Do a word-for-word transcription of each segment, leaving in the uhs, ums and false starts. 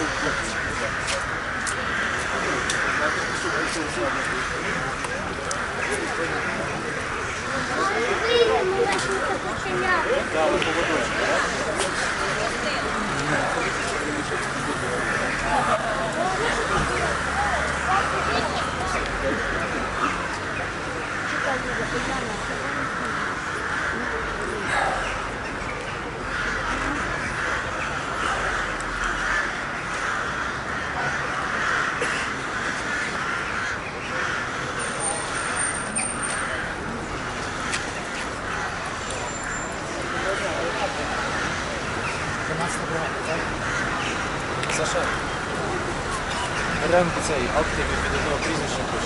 Саша, беремо цей актив від одного прізвища пише.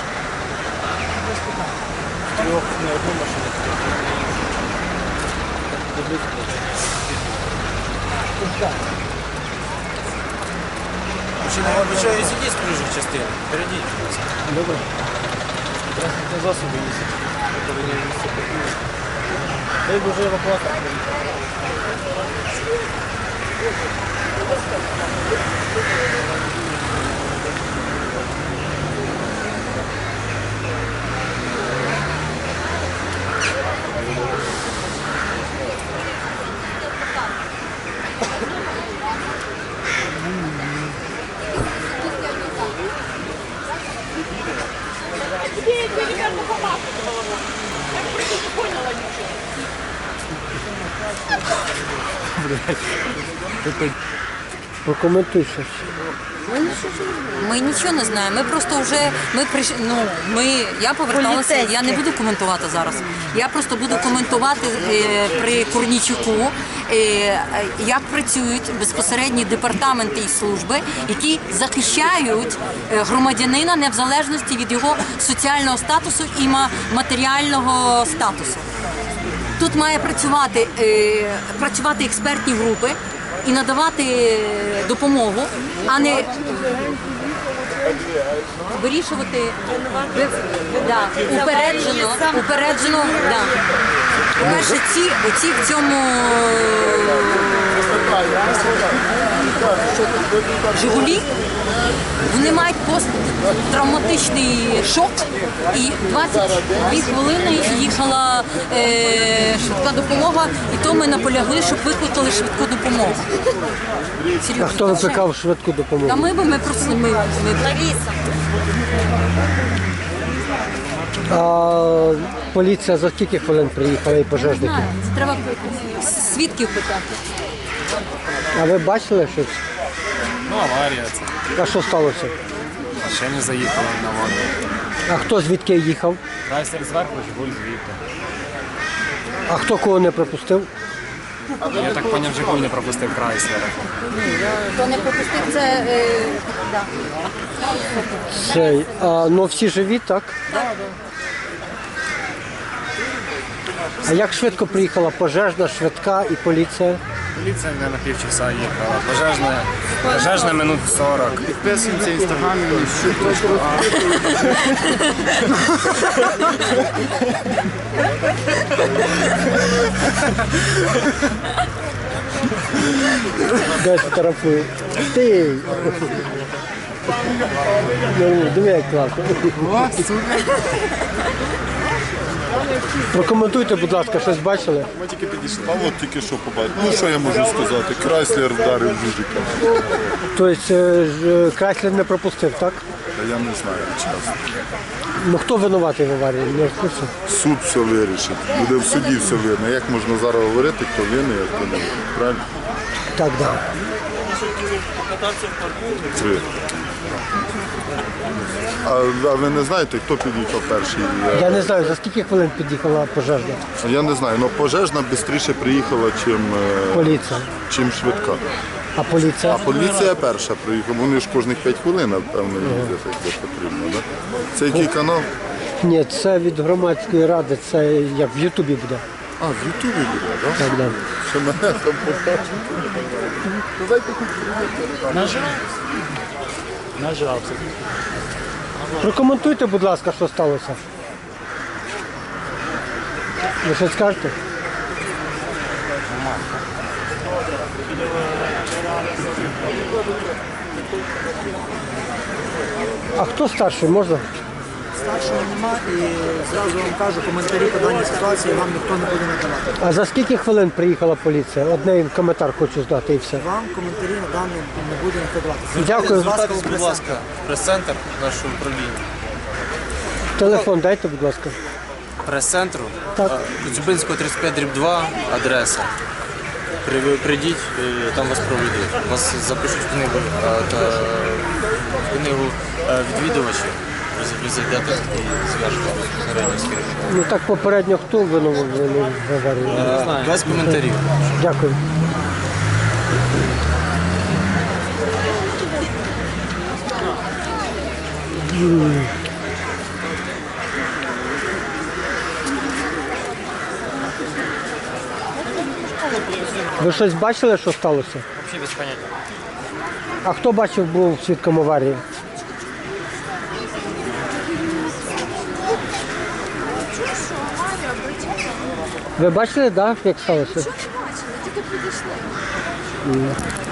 В трьох не одну машину, в трьох не іншу. Мужчина, я обучаю сидіть з проїжджої частини. Перейдіть, будь ласка. Добре. Транспортні засоби є. Ви повинні місце покинути. Дай Боже евакуатор. Прокоментуй щось. Ми нічого не знаємо. Ми просто вже ми прийш... ну, ми я поверталася. Я не буду коментувати зараз. Я просто буду коментувати е, при Корнійчуку, е, як працюють безпосередні департаменти і служби, які захищають громадянина не в залежності від його соціального статусу і матеріального статусу. Тут має працювати, е, працювати експертні групи і надавати допомогу, а не вирішувати да, упереджено, упереджено, да. По-перше, ці, оці в цьому Жигулі, вони мають посттравматичний шок, і двадцять дві хвилини їхала е, швидка допомога, і то ми наполягли, щоб викликали швидку допомогу. Серйозно. А хто викликав швидку допомогу? Та ми би ми просто ми, ми... А поліція за скільки хвилин приїхала і пожежники? Знаю, це треба свідків питати. А ви бачили щось? Ну, аварія це. А що сталося? Ще не заїхали на воду. А хто звідки їхав? Крайслер зверху, Жигуль звідти. А хто кого не пропустив? Я так поняв, Жигуль не пропустив Крайслера. Хто не пропустив, це... Е, да. Цей, а, ну всі живі, так? А як швидко приїхала пожежна, швидка і поліція? Поліція не на півчаса їхала. Пожежна, пожежна минут сорок. Підписуємося в інстаграмі, щуточку. Дай фотографую. Ти! Ну, диви, як класно. Прокоментуйте, будь ласка, щось бачили? Ми тільки підійшли. А от тільки що побачив. Ну що я можу сказати? Крайслер вдарив Жужика. Тобто е, ж, Крайслер не пропустив, так? Та я не знаю, чесно. Ну хто винуватий в аварії? Не в курсі? Суд все вирішить. Буде в суді все видно. Як можна зараз говорити, хто винний, а хто не винний? Правильно? Так, так. Три. А, а ви не знаєте, хто під'їхав перший? Я не знаю, за скільки хвилин під'їхала пожежна? Я не знаю, але пожежна швидше приїхала, чим, е, Поліція. чим швидка. А поліція? А поліція перша приїхала. Вони ж кожних п'ять хвилин, напевно, їздять, як це потрібно. Да? Це який канал? Ні, це від громадської ради, це як в Ютубі буде. А, в Ютубі буде, так? Так, так. Що мене там побачить. Нажався. Прокоментуйте, будь ласка, що сталося. Ви щось скажете? А хто старший, можна? Старшого нема і зразу вам кажу, коментарі по даній ситуації вам ніхто не буде надавати. А за скільки хвилин приїхала поліція? Одне коментар хочу здати і все. Вам коментарі на даний не буде ніхто давати. Дякую. Звертайтесь, Будь ласка, прес-центр нашого управління. Телефон дайте, будь ласка. Прес-центру. Так. а, Коцюбинського тридцять п'ять дріб два, адреса. При- ви Прийдіть, е, там вас проведуть. Вас запишуть в книгу, а, та, в книгу е, відвідувачів. Ви ви зайдете і зв'яжете попередньо з керівником. Ну так попередньо хто винував в аварії? Е, Без коментарів. Дякую. Ви щось бачили, що сталося? Взагалі без поняття. А хто бачив, був свідком аварії? Ви бачили, так, да, як сталося? Що не бачили, тільки підійшли.